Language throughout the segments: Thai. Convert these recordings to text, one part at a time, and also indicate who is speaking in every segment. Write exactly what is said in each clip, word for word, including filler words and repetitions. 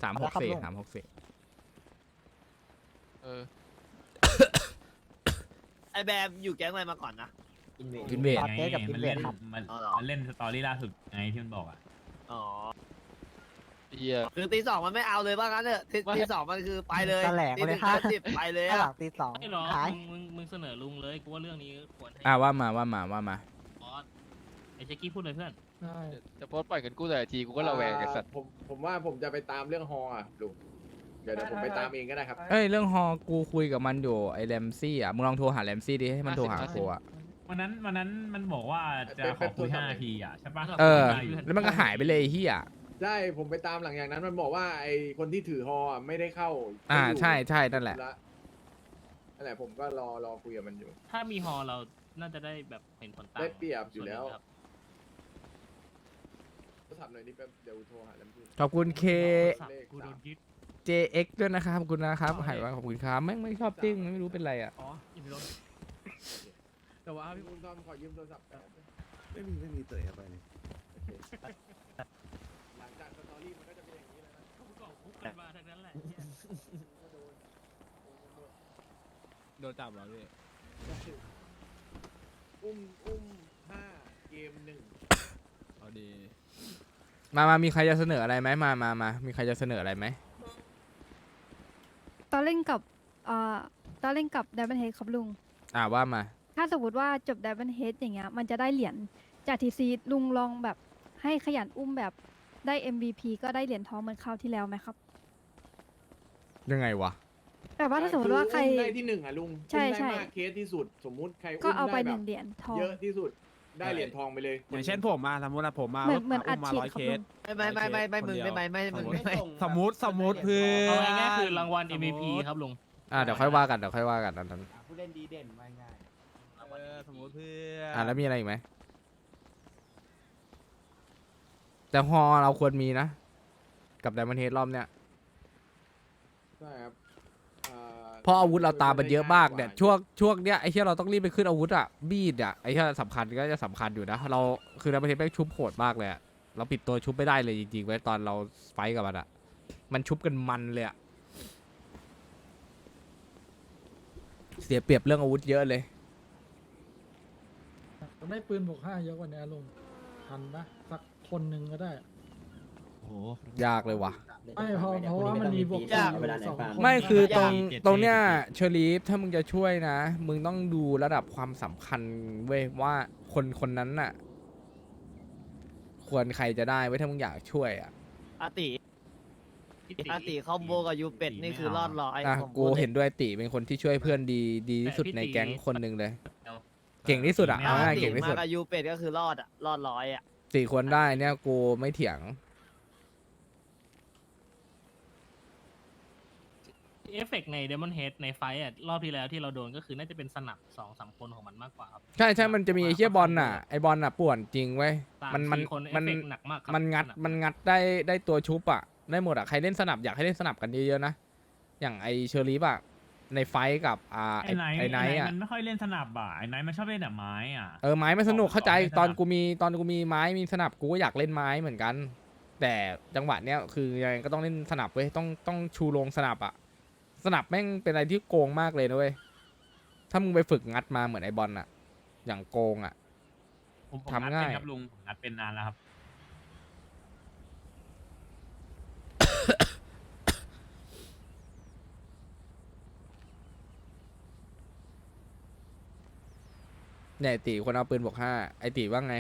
Speaker 1: สามหกสี่สามหกสี่
Speaker 2: เออ
Speaker 3: ไอแบมอยู่แก๊งอะไรมาก่อนนะ
Speaker 1: กินเวท
Speaker 4: ไงมันเล่นมัน
Speaker 3: อ๋อเหรอ
Speaker 4: มันเล่นสตอรี่ล่าสุดไงที่มันบอกอ่ะ
Speaker 3: อ๋อ
Speaker 2: เฮีย
Speaker 3: คือตีสองมันไม่เอาเลยว่างั้นเถอะตี
Speaker 2: ไม่
Speaker 3: ตีสองมันคือไปเลย
Speaker 5: แถลง
Speaker 3: ตี
Speaker 5: เล
Speaker 3: ห
Speaker 5: ย
Speaker 3: นึ่ง
Speaker 5: ค่ะ
Speaker 3: ห้าสิบไปเลย
Speaker 5: หลั
Speaker 3: อะ
Speaker 5: งตีสอง
Speaker 6: ไม่หรอ
Speaker 5: ขาย
Speaker 6: มึงมึงมึงเสนอลุงเลยกูว่าเรื่องนี้ควรให้
Speaker 1: อ่าว่ามาว่ามาว่ามา
Speaker 6: บอสไอ้เจ๊กี้พูดเลยเพื่อน
Speaker 2: จะโพสต์ปล่อยเงินกู้แต่ละทีกูก็ระแวงไอ้สัตว์
Speaker 7: ผมผมว่าผมจะไปตามเรื่องฮออ่ะลุงเดี๋ยวเดี๋ยวผมไปตามเองก็ได้ครับ
Speaker 1: เอ้ยเรื่องฮอกูคุยกับมันอยู่ไอ้แรมซี่อ่ะมึงลองโทรหาแรมซี่ดิให้มันโทรหากูอ่ะ
Speaker 4: วันนั้นวันนั้นมันบอกว่าจะขอคุยห้านาทีอ่ะใช่ปะ
Speaker 1: เออแล้วมันก็หายไปเลยไอ้เฮีย
Speaker 7: ใช่ผมไปตามหลังอย่างนั้นมันบอกว่าไอคนที่ถือฮออ่ะไม่ได้เข้า
Speaker 1: อ่า
Speaker 7: ไม่ยู่
Speaker 1: ใช่ใช่นั่นแหละ
Speaker 7: ธุรนั่นแหละผมก็รอรอคุยกับมันอยู่
Speaker 6: ถ้ามีฮอเราน่าจะได้แบบเห็นผลต่าง
Speaker 7: ได้เปรียบอยู่แล้ว
Speaker 6: ส่นหนึ่งครับ
Speaker 7: โทรศัพท์หน่อยนี่แป๊บเดี๋ยวโทรหาแรมซี่
Speaker 1: ขอบคุณ K
Speaker 7: เลข
Speaker 4: กูโด
Speaker 7: สาม
Speaker 4: นยึด
Speaker 1: เจ เอ็กซ์ ด้วยนะครับขอบคุณนะครับหายว่าขอบคุณครับแม่งไม่ชอบติ้งไม่รู้เป็นไรอ่ะ
Speaker 6: อ๋ออย่าไปลด
Speaker 1: แต่ว่า
Speaker 7: พี่คุณทอมขอยืมโทรศัพท์แป๊บ
Speaker 8: ไม่มีไม่มีเตยเข้าไปเลย
Speaker 7: หลังจากสตอรี่มันก็จะเป็นอย่างนี้แล้วนะ
Speaker 6: เขาบอกคุกกันมาทั้งนั้นแหละ
Speaker 1: โดนจับเหรอพี่
Speaker 7: อุ้มอุ้มห้าเกมหนึ่ง
Speaker 1: เอาดีมามามีใครจะเสนออะไรไหมมามามามีใครจะเสนออะไรไหม
Speaker 9: ตอนเล่นกับเอ่อตอนเล่นกับ Diamond Head ครับลุง
Speaker 1: อ่าว่ามา
Speaker 9: ถ้าสมมติว่าจบ Diamond Head อย่างเงี้ย มันจะได้เหรียญจากทีซีลุงลองแบบให้ขยันอุ้มแบบได้ เอ็ม วี พี ก็ได้เหรียญทองเหมือนคราวที่แล้วไหมครับ
Speaker 1: ยังไงวะ
Speaker 9: แต่ว่าถ้าสมมติว่าใคร
Speaker 7: อุ้มได้ที่หนึ่งอ่ะลุง
Speaker 9: ใช่
Speaker 7: อุ้มได้
Speaker 9: ใช่
Speaker 7: มากเคสที่สุด สมมุติใคร
Speaker 9: ก็
Speaker 7: อุ้ม
Speaker 9: เอาไป
Speaker 7: ได้
Speaker 9: ห
Speaker 7: แบ
Speaker 9: นึ่
Speaker 7: บ
Speaker 9: งเหรียญทอง
Speaker 7: เยอะที่สุดได้เหรียญทองไปเลย
Speaker 5: อย่างเช่นผมมาสมมตินะผมมา
Speaker 9: เหมือนเหมือนอัด
Speaker 5: มา
Speaker 9: ฉีด
Speaker 5: ร้อย
Speaker 9: ครับ
Speaker 5: เค
Speaker 9: ลุ
Speaker 5: ส
Speaker 9: ง
Speaker 3: ไม่ไม่ไม่ไม่ไม่มึงไม่ไม่ไม่มึงไม่ไม่
Speaker 5: สมมติสมมติเพื่อ
Speaker 6: เอาง่ายๆคือรางวัล เอ็ม วี พี ครับลุง
Speaker 1: อ่าเดี๋ยวค่อยว่ากันเดี๋ยวค่อยว่ากันอันนั้น
Speaker 5: ผู้เล่นดีเด่นมาง่ายเออสมมติเพื่อ
Speaker 1: อ่าแล้วมีอะไรอีกไหมแต่ฮอเราควรมีนะ กับไดมอนด์เฮดรอบเนี้ย
Speaker 7: ใช่ครับอ่า
Speaker 1: เพราะอาวุธเราตามมันเยอะมากเนี่ยช่วงช่วงเนี้ยไอ้เหี้ยเราต้องรีบไปขึ้นอาวุธอ่ะบีดอ่ะไอ้เหี้ยสำคัญก็จะสำคัญอยู่นะเราคือไดมอนด์เฮดแม่งชุบโหดมากเลยอะเราปิดตัวชุบไม่ได้เลยจริงๆไว้ตอนเราไฟท์กับมันอ่ะมันชุบกันมันเลยอะเสียเปรียบเรื่องอาวุธเยอะเลย
Speaker 10: ได้ปืนบวกห้าเยอะกว่านี้ลุงทันปะสักคนหนึ่งก็ได้
Speaker 1: ยากเลยว่ะ
Speaker 10: ไม่เพราะเพราะว่ามันมีบวก
Speaker 3: ยาก
Speaker 10: สี่อยู่สองคน
Speaker 1: ไม่คือตรง
Speaker 4: เจ็ด
Speaker 1: ตรงเนี้ย
Speaker 4: เจ็ด
Speaker 1: เชอรีฟถ้ามึงจะช่วยนะ มึงต้องดูระดับความสำคัญเว้ยว่าคนคนนั้นน่ะ ควรใครจะได้ไว้ยถ้ามึงอยากช่วยอ่ะ
Speaker 3: อาติอาติคอมโบกับยูเป็ดนี่คือรอดร้อย
Speaker 1: อ่ะ
Speaker 3: ผม
Speaker 1: กู
Speaker 3: พูดลย
Speaker 1: เห็นด้วยติเป็นคนที่ช่วยเพื่อนดีดีที่สุด
Speaker 6: แต่พี่
Speaker 1: ใน
Speaker 6: ติ
Speaker 1: แก๊งคนหนึ่งเลย เก่งที่สุดอะ
Speaker 6: ไม่
Speaker 1: เอา
Speaker 6: เอา
Speaker 1: ง่าย
Speaker 3: อา
Speaker 1: ๆ
Speaker 3: ติ
Speaker 1: เก่งที่
Speaker 3: มา
Speaker 1: สุด
Speaker 3: กับยูเป็ดก็คือรอดอ่ะรอดร้อยอ่ะ
Speaker 1: สี่คนได้เนี่ยกูไม่เถียง
Speaker 6: เอฟเฟกต์ใน Demon Head ในไฟท์อ่ะรอบที่แล้วที่เราโดนก็คือน่าจะเป็นสนับสองสามคนของมันมากกว่าครับ
Speaker 1: ใช่ใช่มันจะมีไอ้เชี่ยบอลน่ะไอบอลน่ะป่วนจริงเว้ย
Speaker 6: สาม
Speaker 1: มันมัน
Speaker 6: สี่คนเอ
Speaker 1: มั
Speaker 6: ฟ
Speaker 1: น
Speaker 6: เฟกต์หนักมากครับ
Speaker 1: มันงัด
Speaker 6: สบ
Speaker 1: มันงัดได้ได้ตัวชุบอ่ะได้หมดอ่ะใครเล่นสนับอยากให้เล่นสนับกันเยอะๆนะอย่างไอเชอรีฟอ่ะในไฟท์กับอ่าไอ
Speaker 4: ไอ้ไนท์
Speaker 1: ไอไนท์อ่ะ
Speaker 4: มันไม่ค่อยเล่นสนับอ่ะไอ้ไนท์มันชอบเล่นแต่ไม้อ่ะ
Speaker 1: เออไม้มันสนุกเข้าใจ
Speaker 4: ขอให้สนับ
Speaker 1: ตอนกูมีตอนกูมีไม้มีสนับกูก็อยากเล่นไม้เหมือนกัน แต่จังหวะเนี้ยคือยังไงก็ต้องเล่นสนับเว้ยต้องต้องชูโรงสนับอ่ะสนับแม่งเป็นอะไรที่โกงมากเลยนะเว้ยถ้ามึงไปฝึกงัดมาเหมือนไอบอลอ่ะ อย่างโกงอ่ะ
Speaker 4: ผมผม
Speaker 1: ทำ
Speaker 4: งัด
Speaker 1: ง่าย
Speaker 4: เป็นครับลุงผมงัดเป็นนานแล้วครับ
Speaker 1: เนี่ยไอ้ตีคนเอาปืนบวกห้าไอตีว่าไง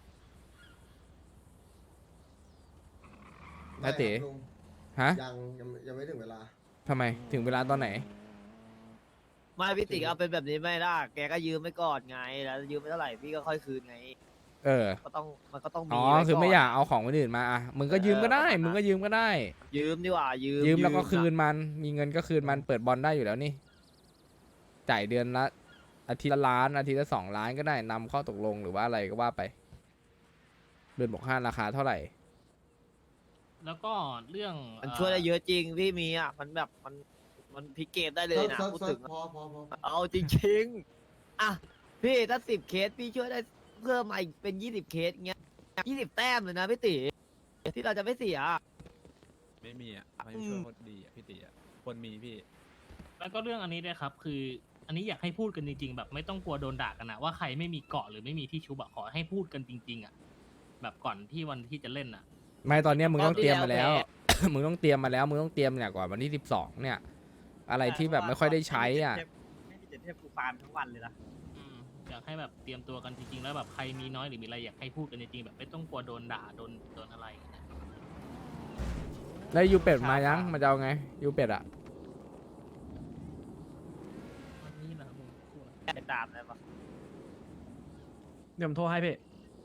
Speaker 1: ไอตีฮะ
Speaker 8: ยังยังยังไม่ถึงเวลา
Speaker 1: ทำไมถึงเวลาตอนไหน
Speaker 3: ไม่พี่ติเอาเป็นแบบนี้ไม่ได้แกก็ยืมไม่ก่อนไงแล้วยืมไม่เท่าไหร่พี่ก็ค่อยคืนไง
Speaker 1: เออ
Speaker 3: ก็ต้องมันก็ต้องมี
Speaker 1: อ๋อ
Speaker 3: ว้
Speaker 1: คือไม่
Speaker 3: ก่น
Speaker 1: อยากเอาของคนอื่นมาอ่ะมึงก็ยืมก็ได้
Speaker 3: เออ
Speaker 1: มึงก็ยืมก็ได้
Speaker 3: ยืมดีกว่ายืม
Speaker 1: ยืมแล้วก็คืน
Speaker 3: อะ
Speaker 1: มัน มีเงินก็คืนมัน เปิดบอลได้อยู่แล้วนี่ จ่ายเดือนละอาทิตย์ละล้าน อาทิตย์ละสองล้านก็ได้นำข้อตกลงหรือว่าอะไรก็ว่าไป เดือนบอกห้าราคาเท่าไหร่
Speaker 6: แล้วก็เรื่อง
Speaker 3: มันช่วยได้เยอะจริงพี่มีอ่ะมันแบบมันมันพลิกเกมได้เลยนะ
Speaker 8: เซิร์ฟ
Speaker 3: พูด
Speaker 8: เซิ
Speaker 3: ถึ
Speaker 8: ร์ฟ
Speaker 3: ง
Speaker 8: พอพอพอ
Speaker 3: เอาจริงๆอ่ะพี่ถ้าสิบเคสพี่ช่วยได้เพิ่มมาอีกเป็นยี่สิบเคสเงี้ยยี่สิบแต้มเลยนะพี่ติที่เราจะไม่เสีย
Speaker 5: ไม่มีอ่ะไม่ช่วยคนดีอ่ะพี่ตีอ่ะคนมีพี่
Speaker 6: แล้วก็เรื่องอันนี้ด้วยครับ คืออันนี้อยากให้พูดกันจริงๆ แบบไม่ต้องกลัวโดนด่ากันนะว่าใครไม่มีเกาะหรือไม่มีที่ชุบอะขอให้พูดกันจริงๆอะแบบก่อนที่วันที่จะเล่นอะ
Speaker 1: ไม่ตอนเนี้ยมึงต้องเตรียมมาแล้ว
Speaker 3: รอบที่
Speaker 1: มึงต้องเตรียมมาแล้ว มึงต้องเตรียมเนี่ยก่อนวันที่สิบสองเนี่ย อะไรที่แบบไม่ค่อยได้ใช้อ่ะ
Speaker 3: ไม่มีเจ็ดเทพกูฟาร์มทั้งวันเลยนะ
Speaker 6: อืมอยากให้แบบเตรียมตัวกันจริงๆ แล้วแบบใครมีน้อยหรือมีอะไรอยากให้พูดกันจริงๆ แบบไม่ต้องกลัวโดนด่าโดนโดนอะไรอย่างเงี้ย
Speaker 1: แล้วยูเป็ดมายังมันจะเอาไงยูเป็ดอ่ะ
Speaker 6: วันนี้นะครับผมพูด
Speaker 3: ไปตามได้ปะ
Speaker 10: เดี๋ยวผมโทรให้พี่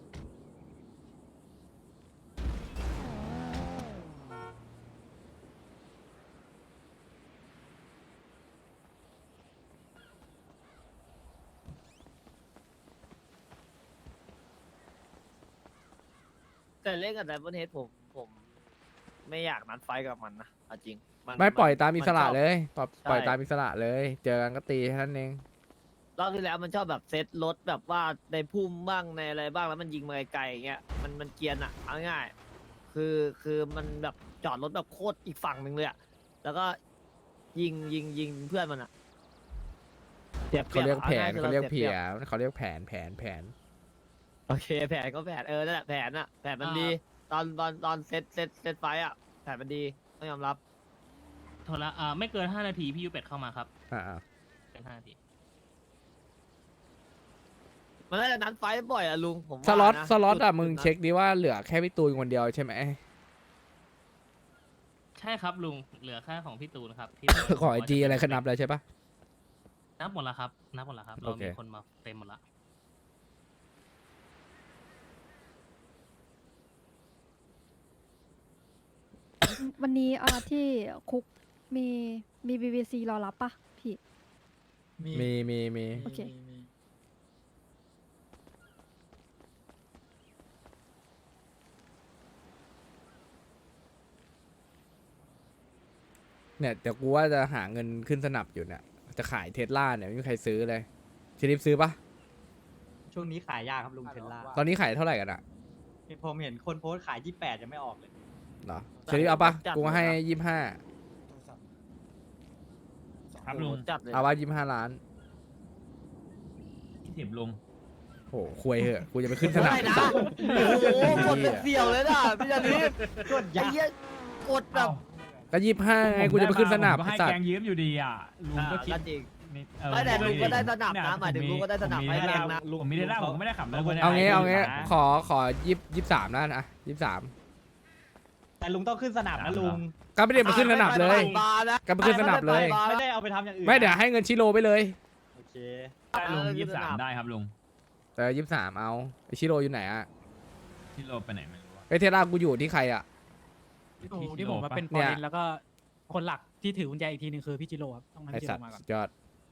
Speaker 3: แต่เล่นกับไดมอนเฮดผมผมไม่อยากนัดไฟท์กับมันนะเอาจริงน
Speaker 1: ไม่ปล่อยตามอิสระ
Speaker 3: นชบ
Speaker 1: เลยปล่อยปล่อย
Speaker 3: ใช่
Speaker 1: ตามอิสระเลย เจอกันก็ตีแค่นั้นเอง
Speaker 3: รอบที่แล้วมันชอบแบบเซตรถแบบว่าในพุ่มบ้างในอะไรบ้างแล้วมันยิงมาไกลๆอย่างเงี้ยมันมันเกรียนอะเอาง่ายๆคือคือมันแบบจอดรถแบบโคตรอีกฝั่งหนึ่งเลยอะแล้วก็ยิงยิงยิงเพื่อนมันอะเสียบ
Speaker 1: เขาเรียกแผน
Speaker 3: อาง่
Speaker 1: เขาเรียก
Speaker 3: สี
Speaker 1: เพีย
Speaker 3: บ
Speaker 1: เขาเรียกแผนแผนแผน
Speaker 3: โอเคแผนก็แผนเออนั่นแหละแผนอะแผนมันดี ตอนตอนตอนเซตเซตเซตไฟท์อะแผนมันดีต้องยอมรับ
Speaker 6: โทรละอ่าไม่เกินห้านาทีพี่ยูเป็ดเข้ามาครับ
Speaker 1: อ่า
Speaker 6: เป็นห้านาที
Speaker 3: มันน่าจะนัดไฟท์บ่อยอะลุงผม
Speaker 1: ส
Speaker 3: ว่า
Speaker 1: ล็อต
Speaker 3: นะ
Speaker 1: สล็อตอ่ะ
Speaker 3: จุด
Speaker 1: มึง
Speaker 3: จุดนั้น
Speaker 1: เช็คดิว่าเหลือแค่พี่ตูนคนเดียวใช่ไหม
Speaker 6: ใช่ครับลุงเหลือแค่ของพี่ตูนครับที่
Speaker 1: ขอไอจีอะไรขนับแล้วใช่ปะ
Speaker 6: นับหมดแล้วครับนับหมดแล้วครับเรา
Speaker 1: โอเค
Speaker 6: มีคนมาเต็มหมดละ
Speaker 9: วันนี้อ่าที่คุกมีมีบีบีซีรอรับปะพี่
Speaker 1: มีมีมี
Speaker 9: โอเค
Speaker 1: เนี่ยเดี๋ยวกูว่าจะหาเงินขึ้นสนับอยู่เนี่ยจะขายเทสลาเนี่ยไม่มีใครซื้อเลยชิลิฟซื้อปะ
Speaker 5: ช่วงนี้ขายยากครับลุงเทนล่า
Speaker 1: ตอนนี้ขายเท่าไหร่กันอ่ะ
Speaker 5: ผมเห็นคนโพสต์ขายยี่แปดยังไม่ออกเลย
Speaker 1: เหรอชิลิฟเอาปะกูให้ยี่ห้า
Speaker 4: ครับลุง
Speaker 3: จัดเลย
Speaker 1: เอาว่ายี่ห้าล้าน
Speaker 4: คิดถึงลุง
Speaker 1: โหคุยเหอะกูจะไปขึ้นสนับ
Speaker 3: ได้นะโอ้โหกดเป็นเสี่ยวเลยนะพี่จารีบกดยักษ์กดแบบ
Speaker 1: ก็ยี่ห้าไงกูจะไปขึ้นสนับ
Speaker 4: ผมก็ให้
Speaker 1: สัต
Speaker 4: แก
Speaker 1: ว์
Speaker 4: งยืมอยู่ดีอ่ะลุง
Speaker 3: อ่า
Speaker 4: ก็คิด
Speaker 3: ก็จริง
Speaker 4: นี่
Speaker 3: ไม่แต่ลุงก็ได้สนับนะ
Speaker 4: เย
Speaker 3: หมายถึงลุงก็ได้สนับ
Speaker 4: ผม
Speaker 3: ให้
Speaker 4: มี
Speaker 3: แรงนะ
Speaker 4: ลุงผมมีได้ล่าผมก็ไม่ได้ขับแล้วคน
Speaker 1: เอางี้เอางี้
Speaker 4: นะ
Speaker 1: ขอขอยี่ยี่สามล้านอ่ะยี่สาม
Speaker 5: แต่ลุงต้องขึ้นสนามนะลุง
Speaker 1: ก็ไม่ได้ไปขึ้นสนับเลย
Speaker 3: บาร์นะ
Speaker 1: ก็ไปขึ้นสนับเลย
Speaker 5: ไม่ได้เอาไปทำอย่างอื่น
Speaker 1: ไม่เดี๋ยวให้เงินชิโร่ไปเลย
Speaker 5: โอเค
Speaker 4: ได้ลุงยี่สิบสามได้ครับลุง
Speaker 1: แต่ยี่สามเอาไอชิโร่อยู่ไหนอ่ะ
Speaker 4: ที่โลไปไหนไม่รู้อะ
Speaker 1: ไอเทสลากูอยู่ที่ใครอ่ะ
Speaker 10: ที่ผมมาเป็น
Speaker 1: เนี่
Speaker 10: ปอย ลินแล้วก็คนหลักที่ถือกุญแจอีกทีหนึ่งคือพี่จิโร่ครับต้องให้
Speaker 1: ไอ
Speaker 10: พี่จิ
Speaker 1: สัต
Speaker 10: โร่
Speaker 1: ว์
Speaker 10: มาก่อน
Speaker 1: สุดยอด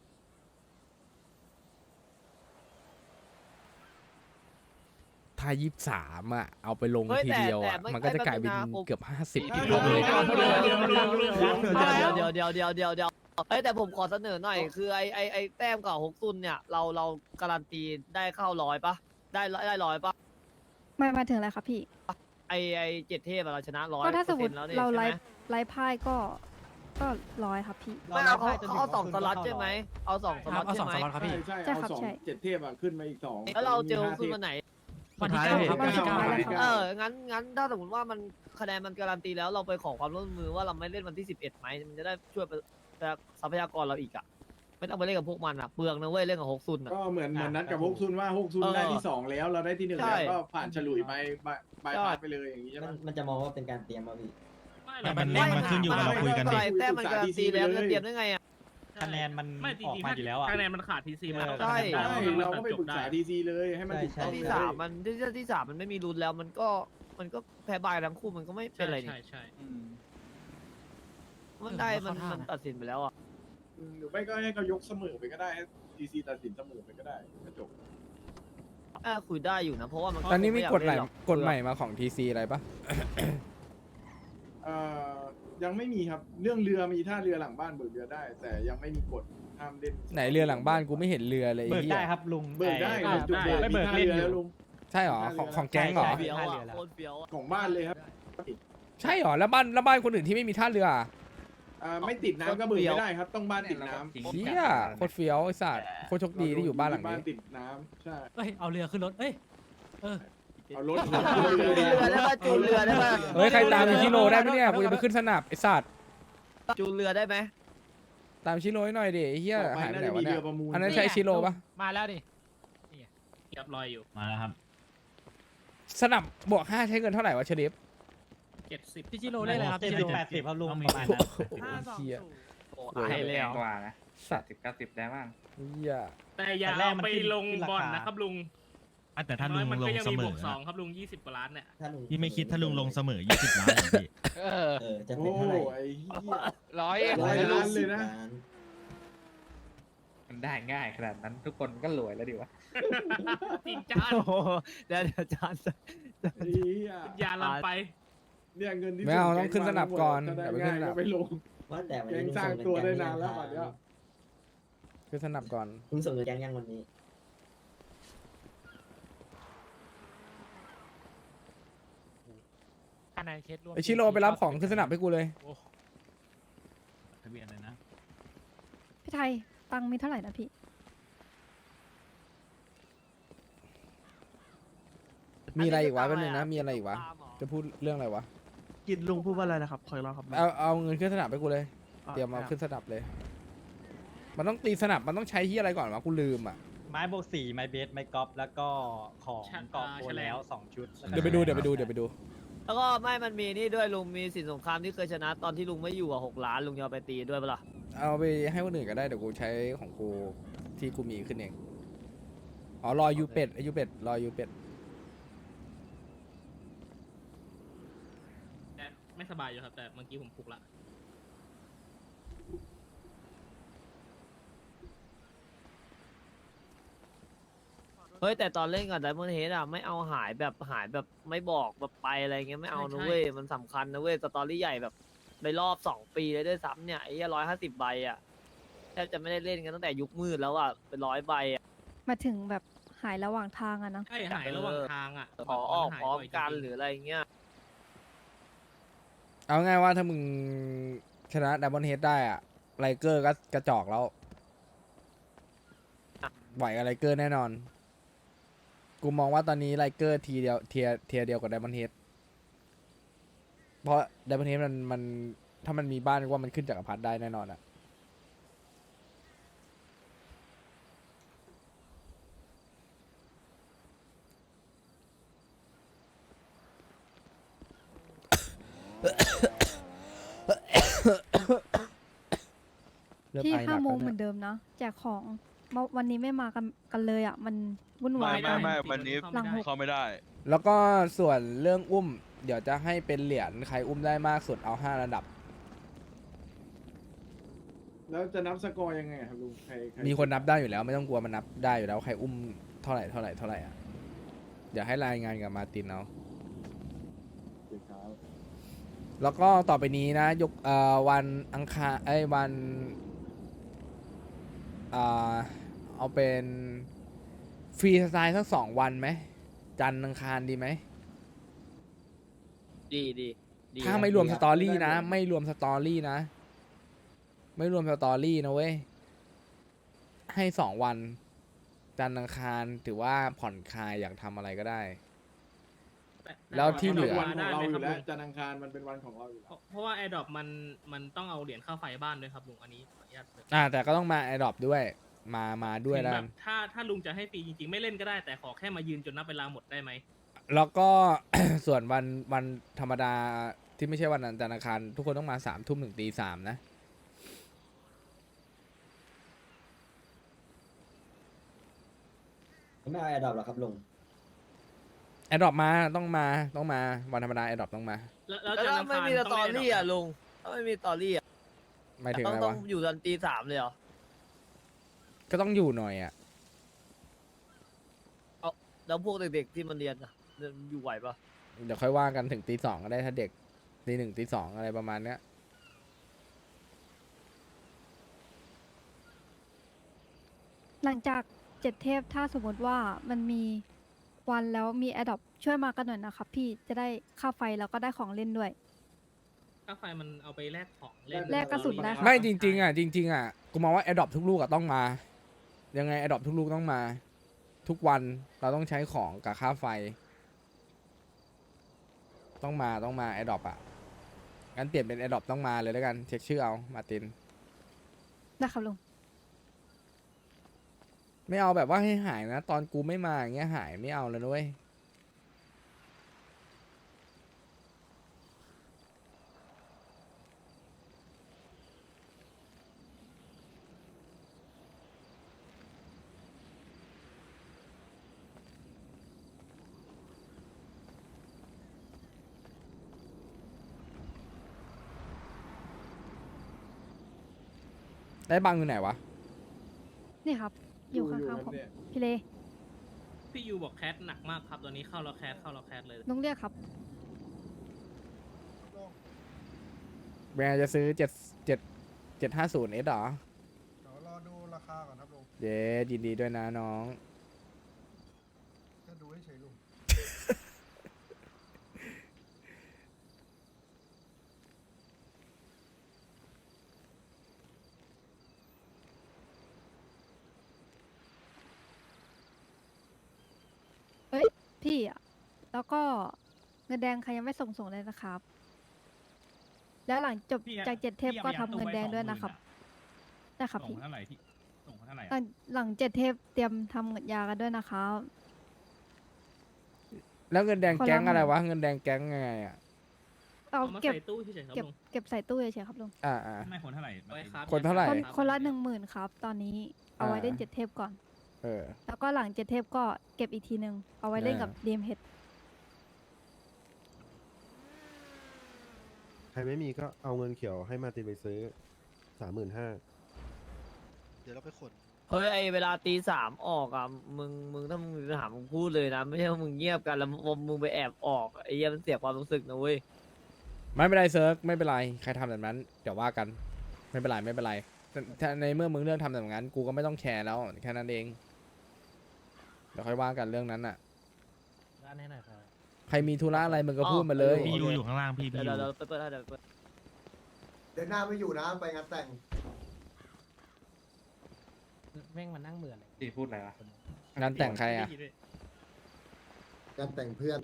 Speaker 1: ถ้ายี่สามอ่ะเอาไปลง
Speaker 3: เฮ้ย
Speaker 1: ที
Speaker 3: แต่
Speaker 1: เดียว
Speaker 3: แต่
Speaker 1: อ่ะ
Speaker 3: ไม่
Speaker 1: มันก็จะกลายเป็น
Speaker 3: ไม่เป็นไรนะผม
Speaker 1: เกือบห้าสิบ
Speaker 3: เดี๋
Speaker 1: ที
Speaker 3: ยว
Speaker 1: เลย
Speaker 3: เดี๋ยวเดี๋ยวเดี๋ยวเดี๋ยวเดี๋ยวเดี๋ยวเดี๋ยวเอ้ยแต่ผมขอเสนอหน่อยคือไอไอไอแต้มกับฮกซุนเนี่ยเราเราการันตีได้เข้าร้อยปะได้ได้ร้อยปะ
Speaker 9: ไม่มาถึงอะไรครับพี่
Speaker 3: ไอไอเจ็ดเทพอะเราชนะร้อย
Speaker 9: ก็ถ้าสมมติ
Speaker 3: แล้วนี่
Speaker 9: เรา
Speaker 3: ใช่
Speaker 9: ไล
Speaker 3: ไหม
Speaker 9: ฟ์ไลฟ์พ่ายก็ก็ร้อยครับพี่
Speaker 3: ไม่เอาเขาเขาเอาสองสล็อตใช่ไหมเอาสองส
Speaker 10: ค
Speaker 3: ล็
Speaker 10: รั
Speaker 3: อบ ต
Speaker 10: เอาส
Speaker 3: ใช่
Speaker 10: อง
Speaker 3: ไหม
Speaker 10: สล็อตครับพี่
Speaker 7: ใช่
Speaker 9: ใช่
Speaker 7: เอา
Speaker 9: ครับ
Speaker 7: สอง
Speaker 9: ใช่
Speaker 7: เจ็ดเทพอ่ะขึ้นมาอีกสอง
Speaker 3: แล้วเราเจอฮ
Speaker 7: ห้
Speaker 3: กซุนวันไหน
Speaker 10: วันที่เก้าครับ
Speaker 9: วัน
Speaker 10: วัน
Speaker 9: ที่
Speaker 10: ที่
Speaker 9: เก้า
Speaker 10: เก้า
Speaker 9: แล้วครับ
Speaker 3: เออ งั้น งั้น ถ้าสมมติว่ามันคะแนนมันการันตีแล้ว เราไปขอความร่วมมือว่าเราไม่เล่นวันที่สิบเอ็ดไหม มันจะได้ช่วยทรัพยากรเราอีกอ่ะ ไม่ต้องไปเล่นกับพวกมันอ่ะ เปลืองนะเว้ย เล่นกับฮกซุนอ่ะ
Speaker 7: ก็เหมือนเหมือนนัดกับฮกซุนว่าฮกซุน
Speaker 3: เออ
Speaker 7: ได้ที่สองแล้วเราได้ที่หนึ่ง
Speaker 3: ใช่
Speaker 7: แล้วก็ผ่านฉลุยไปบายบาย
Speaker 3: ใช่
Speaker 7: พาสไปเลยอย่างนี้ใช่ไหม
Speaker 8: มันจะมองว่าเป็นการเตรียมมาพี่
Speaker 6: ไม่หรอก
Speaker 4: มัน
Speaker 6: ไม่
Speaker 4: มันขึ้นอยู่กับเราคุยกันดิ
Speaker 3: แต้มมันการันตีแล้วจะเตรียมได้ไงอ่ะ
Speaker 5: คะแนนมัน
Speaker 6: ไม่จ
Speaker 5: ออก
Speaker 6: ริงๆ
Speaker 5: มาอยู่แล้วอ่ะ
Speaker 6: คะแนนมันขาดทีซีมันต้อง
Speaker 3: ใช่
Speaker 6: การ
Speaker 7: ใช่
Speaker 6: ให้มัน
Speaker 7: เราก็ไปปรึกษา
Speaker 6: จบด้
Speaker 7: ทีซีเลยให้มันถูก
Speaker 8: ใช่
Speaker 7: ต้อง
Speaker 3: ที่
Speaker 7: เลย
Speaker 3: สามมันที่ที่สามมันไม่มีรุนแล้ว มันก็ มันก็แพ้บายทั้งคู่ มันก็ไม่เป็นไรนี่
Speaker 6: ใช่ใช่
Speaker 5: อืม
Speaker 3: มันได้ มัน มันตัดสินไปแล้วอ่ะ
Speaker 7: อืมหรือไม่ก็ให้เขายกเสมอไปก็ได้ให้ทีซีตัดสินเสมอไปก็ได้ก็จบ
Speaker 3: อ่าคุยได้อยู่นะ เพราะว่ามัน
Speaker 1: ตอนนี้มี
Speaker 3: คง
Speaker 1: กฎ
Speaker 3: ไอยา
Speaker 1: ใหม่
Speaker 3: เล่นรอก
Speaker 1: กฎใหม่มาของทีซีอะไรปะ
Speaker 7: เอ่อยังไม่มีครับเรื่องเรือมีท่าเรือหลังบ้านเบิกเรือได้ แต่ยังไม่มีกฎห้ามเล่น
Speaker 1: ไหนเรือหลังบ้านกูไม่เห็นเรือเลย
Speaker 5: เบิ
Speaker 1: ไอ้
Speaker 5: ก
Speaker 1: เหี้
Speaker 5: ได้
Speaker 1: ย
Speaker 5: ครับลุง
Speaker 7: เบิกได้
Speaker 5: แต่
Speaker 7: จุดเบิก
Speaker 5: ไม่
Speaker 7: มี
Speaker 5: เบิก
Speaker 7: ท่า
Speaker 5: เล่น
Speaker 7: เรือ
Speaker 5: อยู่
Speaker 7: แล้วลุง
Speaker 1: ใช่หรอของของแก๊งเหรอ
Speaker 5: ใช่
Speaker 3: เฟี้ยวอ่ะ
Speaker 5: ใช่
Speaker 3: โคตรเฟี้ยวอะ
Speaker 1: ใช่เหรอแล้วบ้านแล้วบ้านคนอื่นที่ไม่มีท่าเรืออะ
Speaker 7: อ่าไม่ติดน้ำก็เบิกไม่ได้ครับ ต้องบ้านติดน้ำ
Speaker 1: เชี่ยโคตรเฟี้ยวไอ้สัตว์โคตรโชคดีที่อยู่บ้านหลัง
Speaker 7: บ้าน
Speaker 1: นี้
Speaker 7: ติดน้ำใช่
Speaker 10: เอ้ย เอาเรือขึ้นรถ เอ้ย เออ
Speaker 7: เอารถ
Speaker 3: จูนเรือได้ป่ะจูนเรือได้ป่ะ
Speaker 1: เฮ้ยใครตามอิชิโร่ได้ไหมเนี่ยกูจะไปขึ้นสนับไอ้สัตว์
Speaker 3: จูนเรือได้ไหม
Speaker 1: ตามอิชิโร่ให้หน่อยดิไอ้เหี้ย
Speaker 7: ต่อไป
Speaker 1: หายไป
Speaker 7: น่า
Speaker 1: ไหน
Speaker 7: จะ
Speaker 1: วะ
Speaker 7: มี
Speaker 1: เนี่
Speaker 7: เรื
Speaker 1: ย
Speaker 7: อประมูล
Speaker 1: อันนั้นใช่อิชิโร่ปะ
Speaker 10: มาแล้วดิ
Speaker 6: เรียบร้อยอยู่
Speaker 4: มาแล้วครับ
Speaker 1: สนับบวกห้าใช้เงินเท่าไหร่วะเชลิฟ
Speaker 6: เจ็ดสิบ
Speaker 10: พี่จิโร่ได้เลยครับ
Speaker 4: เจ็ด
Speaker 10: พี่
Speaker 4: สิ
Speaker 10: จิ
Speaker 4: บ
Speaker 10: โร่
Speaker 4: แปดสิบครับลุง
Speaker 10: ต้องมี
Speaker 4: ประมาณนั้น
Speaker 1: โอ้โหเหี้ย
Speaker 3: โอ้ให้เลยเหรอ
Speaker 11: กว่านะ
Speaker 1: สัตว์
Speaker 11: สิบเก้าสิบได้บ้าง
Speaker 1: เหี้ย
Speaker 6: แต่อย่า
Speaker 4: แต่แรก
Speaker 6: เอา
Speaker 4: มัน
Speaker 6: ไป
Speaker 4: ขึ้น
Speaker 6: ลง
Speaker 4: ขึ้นราคา
Speaker 6: บ่อนนะครับลุง
Speaker 4: อ่ะแต่ถ้าลุ
Speaker 6: น้อง ยมัน
Speaker 4: ล
Speaker 6: ก็
Speaker 4: ง
Speaker 6: ยัง
Speaker 4: เส
Speaker 6: มี
Speaker 4: ม
Speaker 6: บว
Speaker 4: อก
Speaker 6: สองครับลุงยี่สิบกว่าล้านเนี่ย
Speaker 4: พี่ไม่คิดถ้าลุงลงเสมอยี่สิบล้านเหรอพี่
Speaker 2: เออ
Speaker 8: เออ จะ
Speaker 7: โอ้
Speaker 8: เป็นเท่าไหร่
Speaker 7: ไอ้เหี้ย
Speaker 2: ร้อย
Speaker 7: ร้อยล้านเลยนะ
Speaker 11: มันได้ง่ายขนาดนั้นทุกคนก็รวยแล้วดิวะ
Speaker 6: จริงจ้า
Speaker 3: โอ้โหเดี๋ยวเดี๋ยวจาน
Speaker 7: ไอ้เหี้ย
Speaker 6: อย่าลำไป
Speaker 7: เนี่ยเงินที่
Speaker 1: ไม่เอา
Speaker 7: ส่
Speaker 1: ต้องขึ้นสนับก่อน
Speaker 7: ถ้าได้
Speaker 1: เดี๋ยวไปขึ้
Speaker 7: ง่าน ย
Speaker 1: สนั
Speaker 7: ก็
Speaker 1: บ
Speaker 7: ไปลง
Speaker 8: ว่าแต่วัน
Speaker 7: แก
Speaker 8: นี้
Speaker 7: งสร้างตัวได้นานแล้วป่ะเนี่ย
Speaker 1: ขึ้นสนับก่อน
Speaker 8: ลุงส่งเงินแกงยังวันนี้
Speaker 1: ไอชิโร่ไปรับของขึ้นสนับให้กูเลย
Speaker 4: ทะเบียนอะไรนะ
Speaker 9: พี่ไทยตังค์มีเท่าไหร่นะพี่
Speaker 1: มีอะไรอีกวะแป๊บนึงนะมีอะไรอีกวะจะพูดเรื่องอะไรวะ
Speaker 5: กินลุงพูดว่าอะไรนะครับคอยรอครับ
Speaker 1: เอาเอาเงินขึ้นสนับให้กูเลยเตรียมเอาขึ้นสนับเลย มันต้องตีสนับมันต้องใช้ที่อะไรก่อนวะกูลืมอ่ะ
Speaker 5: ไม้โบกสี่ไม้เบสไม้กอล์ฟแล้วก็ของ
Speaker 6: ชัด
Speaker 5: เกาะ
Speaker 6: อ่า
Speaker 5: โบ
Speaker 6: แฉลง
Speaker 5: แล้วสองชุด
Speaker 1: เดี๋ยวไปดูเดี๋ยวไปดูเดี๋ยวไปดู
Speaker 3: แล้วก็ไม่มันมีนี่ด้วยลุงมีสินสงครามที่เคยชนะตอนที่ลุงไม่อยู่อ่ะหกล้านลุงจะเอาไปตีด้วยปะล่ะ
Speaker 1: เอาไปให้คนอื่นก็ได้เดี๋ยวกูใช้ของกูที่กูมีขึ้นเองอ๋อรอยูเป็ดไอยูเป็ดรอยูเป็ด
Speaker 6: แต่ไม่สบายอยู่ครับแต่เมื่อกี้ผมปลุกละ
Speaker 3: เฮ้ยแต่ตอนเล่นกับไดมอนด์เฮดอ่ะไม่เอาหายแบบหายแบบไม่บอกแบบไปอะไรเงี้ยไม่เอานะเว้ยมันสำคัญนะเว้ยสตอรี่ใหญ่แบบในรอบสองปีเลยด้วยซ้ำเนี่ยไอ้ร้อยห้าสิบใบอ่ะแทบจะไม่ได้เล่นกันตั้งแต่ยุคมืดแล้วอ่ะเป็นร้อยใบอ่ะ
Speaker 9: มาถึงแบบหายระหว่างทางอะเนาะ
Speaker 6: ใช่หายระหว่างทางอ่ะ
Speaker 3: ขอออก
Speaker 6: หาย
Speaker 3: พร้อม
Speaker 6: บ่ย
Speaker 3: กัน
Speaker 6: จงๆ
Speaker 3: หรืออะไรเงี้ย
Speaker 1: เอาง่ายว่าถ้ามึงชนะดับเบิลเฮดได้อะไลเกอร์ก็กระจอกแล้วไหวกับไลเกอร์แน่นอน กูมองว่าตอนนี้ไลเกอร์ทีเดียวเทียเทียเดียวกับดับเบิลเฮดเพราะดับเบิลเฮดมันมันถ้ามันมีบ้านว่ามันขึ้นจักรพรรดิได้แน่นอนอะเริ่
Speaker 9: ที่
Speaker 1: ไอ
Speaker 9: ห้า
Speaker 1: นัก
Speaker 9: โมง
Speaker 1: แล้ว
Speaker 9: เห
Speaker 1: นี่
Speaker 9: มื
Speaker 1: ย
Speaker 9: อนเดิมนะแจกของมาวันนี้ไม่มากันกันเลยอ่ะ มันวุ่นวาย
Speaker 6: ไม่
Speaker 9: มาก
Speaker 6: ไม่
Speaker 2: วันนี้
Speaker 9: หลังหก
Speaker 2: เข้าไม่ได้
Speaker 1: แล้วก็ส่วนเรื่องอุ้ม เดี๋ยวจะให้เป็นเหรียญใครอุ้มได้มากสุดเอาห้าระดับ
Speaker 7: แล้วจะนับสกอร์ยังไงครับลุงใครใร
Speaker 1: มีคนนับได้อยู่แล้วไม่ต้องกลัวมันนับได้อยู่แล้วใครอุ้มเท่าไหร่เท่าไหร่เท่าไหร่อ่ะเดี๋ยวให้รายงานกับมาร์ตินเอา
Speaker 7: เดี๋ยวครับ
Speaker 1: แล้วก็ต่อไปนี้นะ ยกเอ่อวันอังคารไอ้ยวันอ่าเอาเป็นฟรีสไตล์สักสองวันไหมจันทร์อังคารดีไหม
Speaker 3: ดีดีดี
Speaker 1: ถ้าไม่รวมสตอรี่นะ ไม่รวมสตอรี่นะ ไม่รวมสตอรี่นะเว้ย ให้สองวัน จันทร์อังคารถือว่าผ่อนคลายอยากทำอะไรก็ได้
Speaker 6: แต่
Speaker 1: แล้วที่เหลือ
Speaker 7: วันของเราอยู่แล้ว
Speaker 6: ได้ไหมครับลุง
Speaker 7: จันทร์อังคารมันเป็นวันของเราอยู่
Speaker 6: เพ
Speaker 7: แล้ว
Speaker 6: ราะเพราะว่าแอร์ดรอปมันมันต้องเอาเหรียญค่าไฟบ้านด้วยครับลุงอันนี้ขออนุญาตเลย
Speaker 1: อ่าแต่ก็ต้องมาแอดดอปด้วย มามาด้วย
Speaker 6: ถึง
Speaker 1: แล้ว
Speaker 6: แบ
Speaker 1: กัน
Speaker 6: บถ้าถ้าลุงจะให้ฟรีจริงๆ ไม่เล่นก็ได้แต่ขอแค่มายืนจนนับเวลาหมดได้ไหม
Speaker 1: แล้วก็ ส่วนวันวันธรรมดาที่ไม่ใช่วันจันทร์อังคารทุกคนต้องมาสามทุ่มถึงตีสามนะ
Speaker 8: ไม่เอาแอร์ดรอปหรอครับลุง
Speaker 1: แอดดอปมาต้องมาต้องมาวันธรรมดาแอดดอปต้องมา
Speaker 6: แล้วแล้ว
Speaker 3: แล้ว
Speaker 6: จันทร์
Speaker 3: ถ้า
Speaker 6: อัง
Speaker 3: ไม่
Speaker 6: คาร
Speaker 3: มีสต
Speaker 6: ต้
Speaker 3: อง
Speaker 6: เล่น
Speaker 3: รี่อ่ะลุงถ้าไม่มีสตอรี่อ่ะ
Speaker 1: หมายถึง
Speaker 3: ต้อ
Speaker 1: อะ
Speaker 3: ง
Speaker 1: ไร
Speaker 3: ต้อง
Speaker 1: วะ
Speaker 3: อยู่จนตีสามเลยเหรอ
Speaker 1: ก็ต้องอยู่หน่อยอ่ะ
Speaker 3: แล้วพวกเด็กๆที่มันเรียนอ่ะอยู่ไหวปะ
Speaker 1: เดี๋ยวค่อยว่ากันถึงตีสองก็ได้ถ้าเด็กตีหนึ่งตีสองอะไรประมาณเนี้ย
Speaker 9: หลังจากเจ็ดเทพถ้าสมมติว่ามันมีวันแล้วมีแอดดอปช่วยมากันหน่อยนะครับพี่จะได้ค่าไฟแล้วก็ได้ของเล่นด้วย
Speaker 6: ค่าไฟมันเอาไปแลกของเล่น
Speaker 9: แลกกระสุนได้ครับ
Speaker 1: ไม่จริงๆอ่ะจริงๆอ่ะกูมองว่าแอดดอปทุกลูกอ่ะต้องมา ยังไงแอดดอปทุกลูกต้องมา ทุกวันเราต้องใช้ของกับค่าไฟ ต้องมาต้องมาแอดดอปอ่ะงั้นเปลี่ยนเป็นแอดดอปต้องมาเลยแล้วกันเช็คชื่อเอามาร์ติน
Speaker 9: ได้ครับลุง
Speaker 1: ไม่เอาแบบว่าให้หายนะ ตอนกูไม่มาอย่างเงี้ยหายไม่เอาเลยนะเว้ย ได้บังอยู่ไหนวะ
Speaker 9: นี่ครับ อยู่ข้างๆผม พี่เล
Speaker 6: พี่ยูบอกแคสหนักมากครับตอนนี้เข้าแล้วแคสเข้าแล้วแคสเลย
Speaker 9: ลุงเรียกครับ
Speaker 1: แบรนด์จะซื้อเจ็ดเจ็ดเจ็ดห้าศูนย์เอสหรอ
Speaker 10: เดี๋ยวรอดูราคาก่อนครับลุง
Speaker 1: เย้ยินดีด้วยนะน้อง
Speaker 10: จะดูให้เฉยลุง
Speaker 9: พี่อ่ะ แล้วก็เงินแดงใครยังไม่ส่งส่งเลยนะครับ แล้วหลังจบ
Speaker 4: พี่อะ
Speaker 9: จากเจ็ดเทป
Speaker 4: พี่
Speaker 9: ก็
Speaker 4: อา
Speaker 9: ทำ
Speaker 4: ไป
Speaker 9: เงินแดง
Speaker 4: สอ
Speaker 9: ด้วย
Speaker 4: หมื่
Speaker 9: นะครับ
Speaker 4: อ
Speaker 9: ได้ครับ
Speaker 4: ส่ง
Speaker 9: พี่
Speaker 4: เท่าไหร่ที่ส่งเท่าไหร่
Speaker 9: หลั
Speaker 4: อะ
Speaker 9: งหลังเจ็ดเทปเตรียมทำเงินยากันด้วยนะครับ
Speaker 1: แล้วเงินแดง
Speaker 9: คนละ
Speaker 1: แก๊งอะไร
Speaker 9: หมื่น
Speaker 1: วะ เงินแดงแก๊งยังไงอ่ะ
Speaker 9: เอา
Speaker 6: เอามา
Speaker 9: เก็บ
Speaker 6: ใส่ตู้เฉยๆครับ
Speaker 9: เก็บ
Speaker 6: ลุง
Speaker 9: เก็บใส่ตู้เฉยๆครับลุง
Speaker 1: อ่าอ่า
Speaker 4: ไม่คนเท่าไหร่
Speaker 6: ไว้ครับ
Speaker 1: คนเท่าไหร่
Speaker 9: คน
Speaker 6: รับ
Speaker 9: คนละหนึ่งหมื่นครับ ตอนนี้เอาไว้
Speaker 1: อ่า
Speaker 9: เล่นเจ็ดเทปก่อน
Speaker 1: เออ
Speaker 9: แล้วก็หลังเจ็ดเทปก็เก็บอีกทีหนึ่งเอาไว้เล่นกับ
Speaker 1: อ่า
Speaker 9: ดีมเฮด
Speaker 12: ใครไม่มีก็เอาเงินเขียวให้มาตินไปซื้อสามหมื่นห้า
Speaker 2: เดี๋ยวเราไปขน
Speaker 3: เฮ้ยไอเวลาตีสามออกอ่ะมึงมึงถ้ามึงมีปัญหามึงพูดเลยนะ ไม่ใช่ว่ามึงเงียบกันแล้วมึงไปแอบออกไอ้เหี้ยมันเสียความรู้สึกนะเว้ย
Speaker 1: ไม่เป็นไรเซิร์ฟไม่เป็นไร ใครทำแบบนั้น เดี๋ยวว่ากัน ไม่เป็นไรไม่เป็นไรแต่ถ้าในเมื่อมึงเลือกทำแบบนั้น กูก็ไม่ต้องแคร์แล้วแค่นั้นเอง เดี๋ยวค่อยว่ากันเรื่องนั้นอ่ะ
Speaker 6: ด้านให้หน่อยครับ
Speaker 1: ใครมีธุระอะไรมึงก็พูดมาเลย
Speaker 3: พี่ยูอยู่
Speaker 4: ข้างล่างพี่
Speaker 3: เดี๋ยวเดี๋ยวเดี๋ยวเปิดเปิดให้เดี๋ยวเปิด
Speaker 8: เดือนหน้าไม่อยู่นะ ไปงานแต่ง
Speaker 6: แม่งมานั่งเหมือนเลย
Speaker 11: ที่พูดอะไรวะ
Speaker 1: งานแต่งใครอ่ะ
Speaker 8: งานแต่งเพื่อน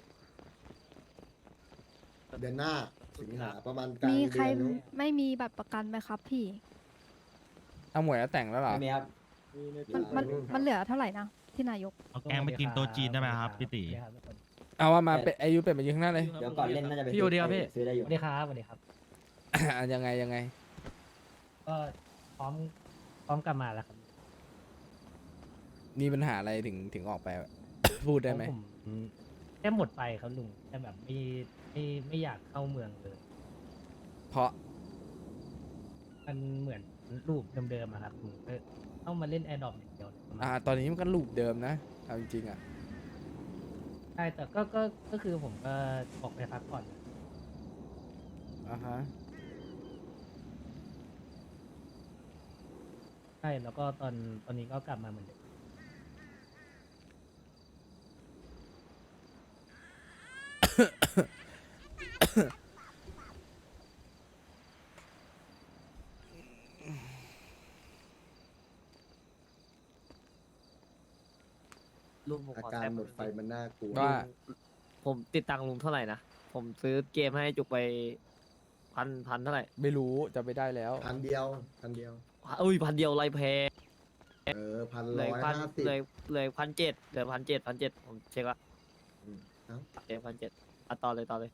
Speaker 8: เดือนหน้าสิงหาประมาณกลาง
Speaker 9: มี
Speaker 8: เดื
Speaker 9: ใคร
Speaker 8: อนนู้น
Speaker 9: ไม่มีบัตรประกันไหมครับพี่
Speaker 1: เอาหมวยแล้วแต่งแล้วเหรอ
Speaker 8: ไม่มีครับ
Speaker 9: มันมันมันเหลือเท่าไหร่นะที่นายก
Speaker 4: เอาแกงไปกินโต๊ะจีนได้ไหมครับพี่ตี
Speaker 1: เอาว่ามาเป็นอายุเป็นมายืนข้างหน้าเลย
Speaker 8: เดี๋ยวก่อนเล่นน่าจะไป
Speaker 6: พี่อยู่ดีครับพี่
Speaker 8: ซื้อได้อยู่
Speaker 6: สวัสดีครับสวัสดีครับ
Speaker 1: อ่ะยังไงยังไง
Speaker 6: ก็พร้อมพร้อมกลับมาแล้วครับ
Speaker 1: มีปัญหาอะไรถึงถึงออกไป พูดได้ไหม
Speaker 6: ผมแค่หมดไปครับลุงแต่แบบไม่ไม่ไม่อยากเข้าเมืองเลย
Speaker 1: เพราะ
Speaker 6: มันเหมือนรูปเดิมๆอะครับลุงก็ต้องมาเล่นแอร์ดรอปอย่างเดียวเลย
Speaker 1: อ่า ตอนนี้มันก็ลูปเดิมนะ เอาจริงๆอ่ะ
Speaker 6: ใช่แต่ก็ก็ก็คือผมก็ออกไปพักผ่อน
Speaker 1: อ่าฮะ
Speaker 6: ใช่แล้วก็ตอนตอนนี้ก็กลับมาเหมือนเดิม
Speaker 3: ลุงผม
Speaker 8: อา
Speaker 3: ขอ
Speaker 8: การ
Speaker 3: แต้ม
Speaker 8: หมดไฟมันน่ากลัว
Speaker 1: ว่า
Speaker 3: ผมติดตังค์ลุงเท่าไหร่นะ ผมซื้อเกมให้จุกไปพันพันเท่าไหร่
Speaker 1: ไม่รู้จะไปได้แล้ว
Speaker 8: พันเดียว พันเดียว
Speaker 3: อุ้ยพันเดียวไรแพง
Speaker 8: เออ พัน
Speaker 3: เหล
Speaker 8: ร้อย
Speaker 3: ยพัน
Speaker 8: ห้าสิบ
Speaker 3: เลยเลยพันเจ็ดเหลือพันเจ็ดพันเจ็ดผมเช็คละ
Speaker 8: อืมเอ้า
Speaker 3: เกมพันเจ็ดอ่ะต่อเลยต่อเลย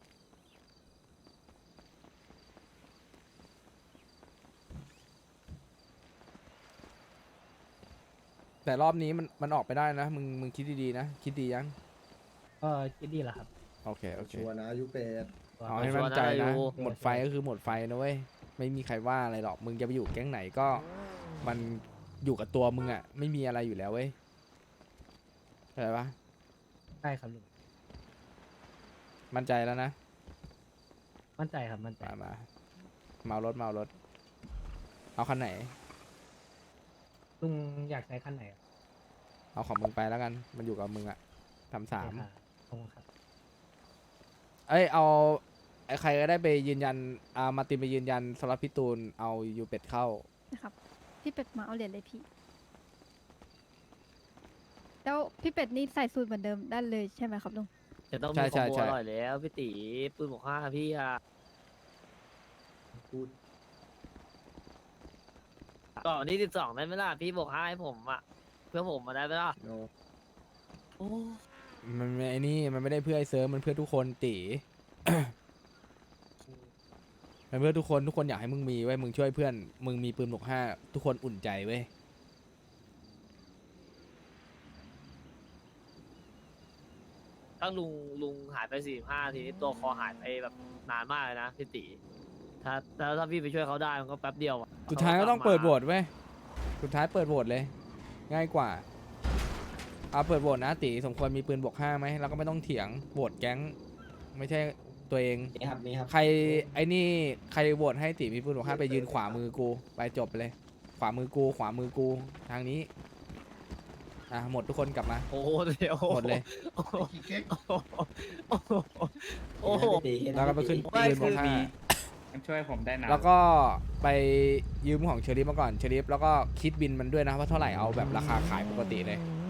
Speaker 1: แต่รอบนี้มันมันออกไปได้นะ มึงมึงคิดดีๆนะ คิดดียัง
Speaker 6: ก็คิดดีแหละครับ
Speaker 1: โอเค โอเค
Speaker 8: ชัวร์นะอายุเป็ด
Speaker 1: เอาให้มั่นใจ
Speaker 3: ชัวร์นะ
Speaker 1: นะ
Speaker 3: อยู่
Speaker 1: หมดไฟก็คือหมดไฟนะเว้ย ไม่มีใครว่าอะไรหรอก มึงจะไปอยู่แก๊งไหนก็ มันอยู่กับตัวมึงอ่ะ ไม่มีอะไรอยู่แล้วเว้ยเข้าใจปะ
Speaker 6: ใช่ครับลุง
Speaker 1: มั่นใจแล้วนะ
Speaker 6: มั่นใจครับมั่นใจ
Speaker 1: มามาเมารถเมารถ เอาคันไหน
Speaker 6: ลุงอยากใช้คันไหนครับ
Speaker 1: เอาของมึงไปแล้วกัน มันอยู่กับมึงอะทำสาม
Speaker 6: ขอบคุณครับ
Speaker 1: เอ้ย เอา ไออ้ใครก็ได้ไปยืนยันอ่ามาร์ตินไปยืนยันสล็อตพี่ตูนเอายูเป็ดเข้า
Speaker 9: นะครับ พี่เป็ดมาเอาเหรียญเลยพี่ แล้วพี่เป็ดนี่ใส่สูตรเหมือนเดิมได้เลยใช่ไหมครับลุง
Speaker 3: จะต้อง
Speaker 1: ใช่
Speaker 3: มีค
Speaker 1: ใช่
Speaker 3: อมโบ
Speaker 1: ใช่
Speaker 3: อร่อยแล้วพี่ตีปืนบอกห้าพี่อะ
Speaker 8: พูด
Speaker 3: ก่อนวันที่สิบสองได้ไหมล่ะพี่บอกห้าให้ผมอะเพื่อผมมาได้ไหมล่ะ
Speaker 8: โน
Speaker 3: โอ้
Speaker 1: มันไม่ไอ้นี่มันไม่ได้เพื่อไอ้เซิร์ฟมันเพื่อทุกคนตี มันเพื่อทุกคนทุกคนอยากให้มึงมีไว้ยมึงช่วยเพื่อนมึงมีปืนบวกห้าทุกคนอุ่นใจเว้ย
Speaker 3: ถ้าลุงลุงหายไปสี่ห้าทีนี้ตัวคอหายไปแบบนานมากเลยนะพี่ตีถ้าถ้าถ้าพี่ไปช่วยเขาได้มันก็แป๊บเดียวอะ
Speaker 1: สุดท้ายก็ต้องเปิดโหวตเว้ยสุดท้ายเปิดโหวตเลย ง่ายกว่าเอาเปิดโหวตนะตีสมควรมีปืนบวกห้าไหมแล้วก็ไม่ต้องเถียงโหวตแก๊งไม่ใช่ตัวเอง
Speaker 8: นี่ครับนี่ครับ
Speaker 1: ใครไอ้นี่ใครโหวตให้ตีมีปืนบวกห้าไปยืนขวามือกูไปจบไปเลย ขวามือกูขวามือกูทางนี้อ่ะหมดทุกคนกลับมา
Speaker 3: โอ้โหเดี๋ยว
Speaker 1: หมดเลย
Speaker 3: โอ้โหโอ้โหโอ้โห
Speaker 1: แล้วก็ไปขึ้น
Speaker 3: ไม่
Speaker 1: ปืนบวก
Speaker 3: คือ
Speaker 1: ห้า
Speaker 11: มันช่วยผมได้นะ
Speaker 1: แล้วก็ไปยืมของเชอริฟมาก่อนเชอริฟแล้วก็คิดบินมันด้วยนะว่าเท่าไหร่เอาแบบราคาขายปกติเลย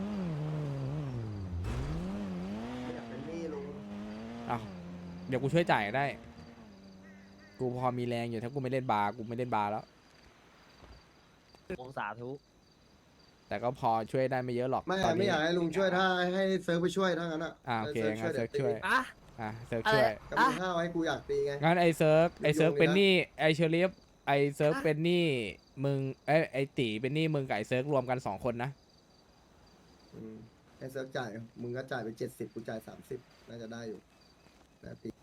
Speaker 8: อยากเป็นหนี้ลุง
Speaker 1: เอาเดี๋ยวกูช่วยจ่ายได้ กูพอมีแรงอยู่ถ้ากูไม่เล่นบาร์กูไม่เล่นบาร์แล้ว
Speaker 3: องศาทุ
Speaker 1: แต่ก็พอช่วยได้ไม่เยอะหรอก
Speaker 8: ไม่
Speaker 1: ตอน
Speaker 8: ไม่
Speaker 1: นี้
Speaker 8: อยากให้ลุงช่วยถ้าให้เซิร์ฟไปช่วยถ้างั้นอ่ะ
Speaker 1: อ่าโอเค
Speaker 8: ให้
Speaker 1: งั้นเซิร์ฟช่วย
Speaker 3: อะ
Speaker 1: อ่ะเซิร์ฟช่วย
Speaker 8: ก็มีห้าไว้กูอยากตีไง
Speaker 1: งั้นไอเซิร์ฟไอเซิร์ฟ
Speaker 8: ยุ่งๆ
Speaker 1: เป็นห
Speaker 8: เลยนะ
Speaker 1: นี้ไอเชอริฟไอเซิร์ฟเป็นหนี้มึงไอยไอตีเป็นหนี้มึงกับไอเซิร์ฟรวมกันสองคนนะ
Speaker 8: อืมให้เซิร์ฟจ่ายมึงก็จ่ายไปเจ็ดสิบกูจ่ายสามสิบน่าจะได้อยู่นะตี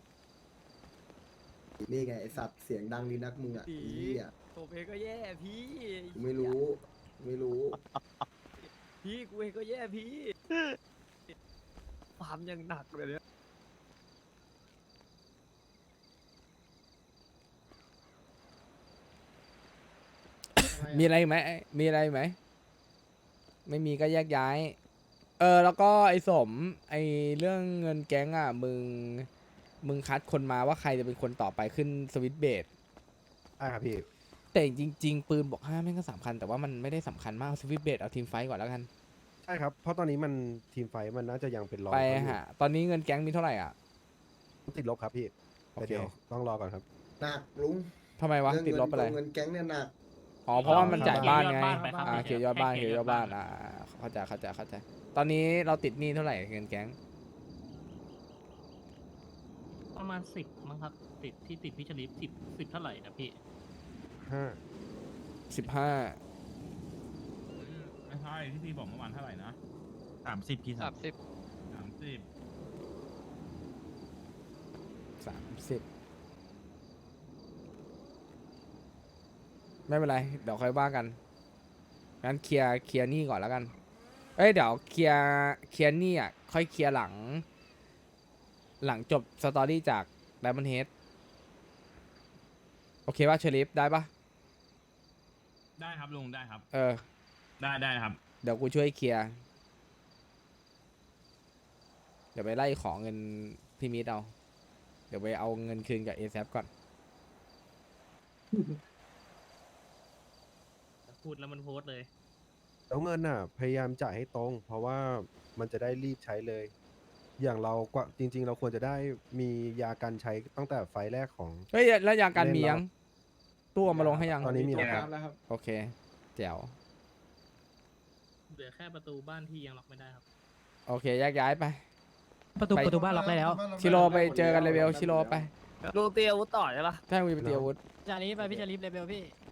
Speaker 8: นี่ไงไอสัตว์เสียงดังดีนักมึงอ่ะ
Speaker 3: ตี
Speaker 8: อีเหี้ย
Speaker 3: ผมเองก็แย่พี่
Speaker 8: กูไม่รู้ไม่รู้
Speaker 3: พี่กูเองก็แย่พี่ความยังหนักเลยเนี่ย
Speaker 1: มีอะไรอีกไหมมีอะไรอีกไหมไม่มีก็แยกย้าย เออแล้วก็ไอสมไอเรื่องเงินแก๊งอ่ะมึงมึงคัดคนมาว่าใครจะเป็นคนต่อไปขึ้นสวิตช์เบส
Speaker 12: ใช่ครับพี่
Speaker 1: แต่จริง ๆ ปืนบอกห้าแม่งก็สำคัญแต่ว่ามันไม่ได้สำคัญมากเอาสวิตช์เบสเอาทีมไฟท์ก่อนแล้วกัน
Speaker 12: ใช่ครับ เพราะตอนนี้มันทีมไฟท์มันน่าจะยังเป็นรอง
Speaker 1: ไป
Speaker 12: เขาอยู่
Speaker 1: ฮะตอนนี้เงินแก๊งมีเท่าไหร่อ่ะ
Speaker 12: ติดลบครับพี่
Speaker 1: โอ
Speaker 12: แต่
Speaker 1: เค
Speaker 12: เดี๋ยวต้องรอก่อนครับ
Speaker 8: หนักลุง
Speaker 1: ทำไมวะ
Speaker 8: เรื่อง
Speaker 1: ติดลบอะไร
Speaker 8: เงินแก๊งเนี่ยหนัก
Speaker 1: อ๋อเพราะว่ามันจ่ายบ้านไง
Speaker 6: เคลียร์ยอดบ้านไปครับ
Speaker 1: อ่าเคลียร์ยอดบ้านเคลียร์ยอดบ้านอ่าเข้าใจเข้าใจเข้าใจตอนนี้เราติดหนี้เท่าไหร่เงินแก๊ง
Speaker 6: ประมาณสิบมั้งครับ ติดที่ติดพี่ชลิปสิบสิบเท่าไหร่นะพี่
Speaker 12: ห้า
Speaker 1: สิบห้า
Speaker 4: ไม่ใช่ที่พี่บอกเมื่อวานเท่าไหร่นะ
Speaker 5: สามสิบพี่สา
Speaker 2: สาม มสิบ
Speaker 4: สามสิบ
Speaker 1: สามสิบไม่เป็นไร เดี๋ยวค่อยว่ากันงั้นเคลียร์เคลียร์หนี้ก่อนแล้วกัน เอ้ยเดี๋ยวเคลียร์เคลียร์หนี้อ่ะค่อยเคลียร์หลัง หลังจบสตอรี่จาก Diamond Head โอเคป่ะเชอริฟได้ป่ะ
Speaker 4: ได้ครับลุงได้ครับ
Speaker 1: เออ
Speaker 4: ได้ได้ครับ
Speaker 1: เดี๋ยวกูช่วยเคลียร์ เดี๋ยวไปไล่ขอเงินพี่มิดเอา เดี๋ยวไปเอาเงินคืนกับ เอ แซป ก่อน
Speaker 6: พูดแล้วมันโพสต์เลย
Speaker 12: แล้วเงินน่ะ พยายามจ่ายให้ตรง เพราะว่ามันจะได้รีบใช้เลย อย่างเรากว่าจริง ๆ เราควรจะได้มียากันใช้ตั้งแต่ไฟล์แรกของ
Speaker 1: เฮ้ย แล้วยาการมียัง ตู้เอามาลงให้ยัง
Speaker 12: ตอนนี้มี
Speaker 8: ตัว
Speaker 12: แล้ว
Speaker 8: น้ำแล้วครับ
Speaker 1: โอเค แจ๋ว
Speaker 6: เหลือแค่ประตูบ้านที่ยังล็อกไม่ได้ครับ
Speaker 1: โอเคแยกย้ายไป
Speaker 10: ประตู
Speaker 1: ไป
Speaker 10: ประตูบ้านล็อกได้แล้ว
Speaker 1: ชิโร่ไปเจอกันเลเวลชิโร่ไป
Speaker 3: ลุงเตียอาวุธต่อใช่ปะ
Speaker 1: ถ้ามีไปเตียอาวุธ
Speaker 10: จานี้ไปพี่จะรีบเลเบลพี่